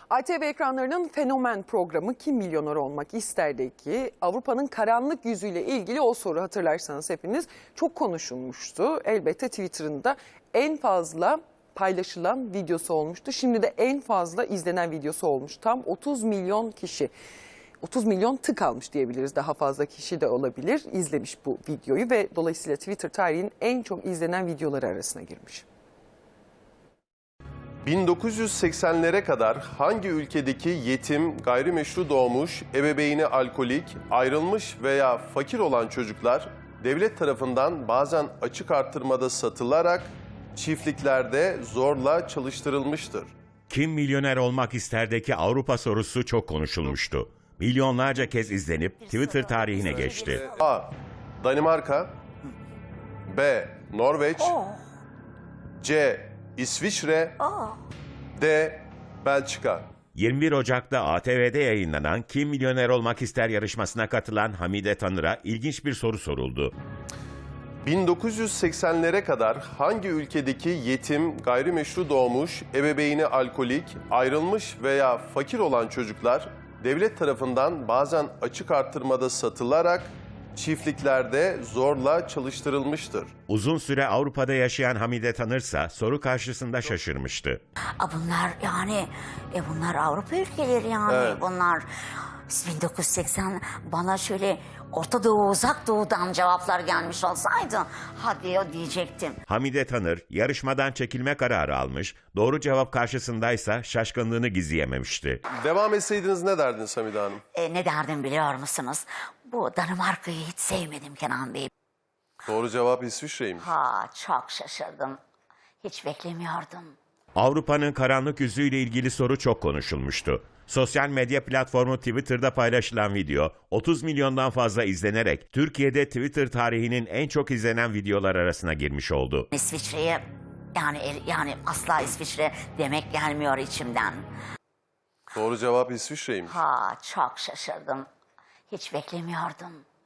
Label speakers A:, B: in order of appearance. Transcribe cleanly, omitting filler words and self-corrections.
A: ATV ekranlarının fenomen programı Kim Milyoner Olmak İster'di ki Avrupa'nın karanlık yüzüyle ilgili o soru hatırlarsanız hepiniz çok konuşulmuştu. Elbette Twitter'ında en fazla paylaşılan videosu olmuştu. Şimdi de en fazla izlenen videosu olmuş. Tam 30 milyon kişi. 30 milyon tık almış diyebiliriz. Daha fazla kişi de olabilir. İzlemiş bu videoyu ve dolayısıyla Twitter tarihinin en çok izlenen videoları arasına girmiş.
B: 1980'lere kadar hangi ülkedeki yetim, gayrimeşru doğmuş, ebeveyni alkolik, ayrılmış veya fakir olan çocuklar devlet tarafından bazen açık artırmada satılarak çiftliklerde zorla çalıştırılmıştır?
C: Kim milyoner olmak isterdeki Avrupa sorusu çok konuşulmuştu. Milyonlarca kez izlenip Twitter tarihine geçti.
B: A. Danimarka, B. Norveç, C. İsviçre, D. Belçika.
C: 21 Ocak'ta ATV'de yayınlanan Kim Milyoner Olmak İster yarışmasına katılan Hamide Tanır'a ilginç bir soru soruldu.
B: 1980'lere kadar hangi ülkedeki yetim, gayrimeşru doğmuş, ebeveyni alkolik, ayrılmış veya fakir olan çocuklar devlet tarafından bazen açık artırmada satılarak çiftliklerde zorla çalıştırılmıştır?
C: Uzun süre Avrupa'da yaşayan Hamide Tanırsa soru karşısında şaşırmıştı.
D: Bunlar Avrupa ülkeleri yani.
B: Evet.
D: Bunlar 1980 bana şöyle Orta Doğu, Uzak Doğu'dan cevaplar gelmiş olsaydı hadi o diyecektim.
C: Hamide Tanır yarışmadan çekilme kararı almış, doğru cevap karşısındaysa şaşkınlığını gizleyememişti.
B: Devam etseydiniz ne derdiniz Hamide Hanım?
D: Ne derdim biliyor musunuz? Bu Danimarka'yı hiç sevmedim Kenan Bey.
B: Doğru cevap İsviçre'ymiş.
D: Çok şaşırdım. Hiç beklemiyordum.
C: Avrupa'nın karanlık yüzüyle ilgili soru çok konuşulmuştu. Sosyal medya platformu Twitter'da paylaşılan video 30 milyondan fazla izlenerek Türkiye'de Twitter tarihinin en çok izlenen videolar arasına girmiş oldu.
D: İsviçre'ye yani asla İsviçre demek gelmiyor içimden.
B: Doğru cevap İsviçre'ymiş.
D: Çok şaşırdım. Hiç beklemiyordum.